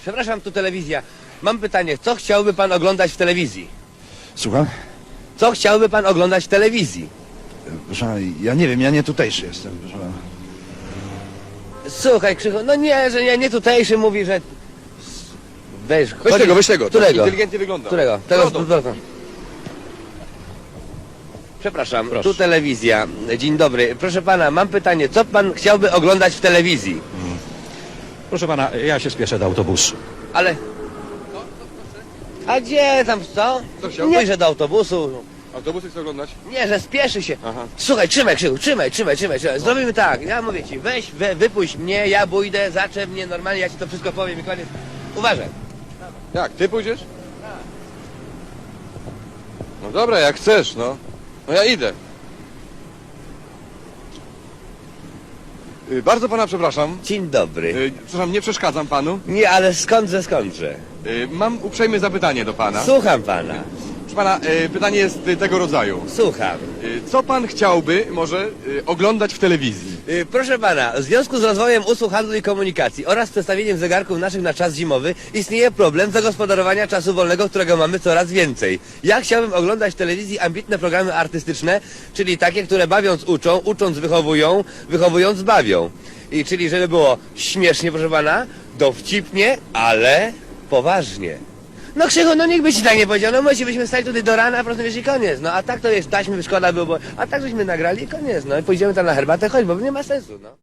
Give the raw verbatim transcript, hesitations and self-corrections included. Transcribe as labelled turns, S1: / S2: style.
S1: Przepraszam, tu telewizja. Mam pytanie, co chciałby pan oglądać w telewizji?
S2: Słucham?
S1: Co chciałby pan oglądać w telewizji?
S2: Proszę pana, ja nie wiem, ja nie tutejszy jestem, proszę pana.
S1: Słuchaj, Krzychu, no nie, że nie, nie tutejszy mówi, że... Weź,
S3: Weź
S1: chodzi-
S3: tego, weź tego.
S1: Którego?
S3: Tak inteligentnie wygląda.
S1: Którego? Tego z
S3: Brodą.
S1: brodą. Przepraszam,
S3: Proszę.
S1: tu telewizja. Dzień dobry. Proszę pana, mam pytanie, co pan chciałby oglądać w telewizji?
S4: Proszę pana, ja się spieszę do autobusu.
S1: Ale... A gdzie tam, co?
S3: Co chciał?
S1: Nie, że do autobusu.
S3: Autobusy chcę oglądać?
S1: Nie, że spieszy się.
S3: Aha.
S1: Słuchaj, trzymaj Krzychu, trzymaj, trzymaj, trzymaj, trzymaj. Zrobimy tak, ja mówię ci, weź, we, wypuść mnie, ja pójdę, zaczep mnie normalnie, ja ci to wszystko powiem i koniec. Uważaj.
S3: Jak, ty pójdziesz? No dobra, jak chcesz, no. No ja idę. Y, Bardzo pana przepraszam.
S1: Dzień dobry.
S3: Y, Przepraszam, nie przeszkadzam panu.
S1: Nie, ale skądże, skądże?
S3: Y, Mam uprzejme zapytanie do pana.
S1: Słucham pana,
S3: Proszę pana, y, pytanie jest y, tego rodzaju.
S1: słucham.
S3: Y, Co pan chciałby może y, oglądać w telewizji?
S1: Y, Proszę pana, w związku z rozwojem usług handlu i komunikacji oraz przestawieniem zegarków naszych na czas zimowy istnieje problem zagospodarowania czasu wolnego, którego mamy coraz więcej. Ja chciałbym oglądać w telewizji ambitne programy artystyczne, czyli takie, które bawiąc uczą, ucząc wychowują, wychowując bawią. I czyli żeby było śmiesznie, proszę pana, dowcipnie, ale poważnie. No Krzychu, no nikt by ci tak nie powiedział, no my ci byśmy stali tutaj do rana, a po prostu wiesz i koniec. No a tak to jest, taśmy szkoda było, bo... a tak żeśmy nagrali i koniec, no i pójdziemy tam na herbatę, chodź, bo nie ma sensu, no.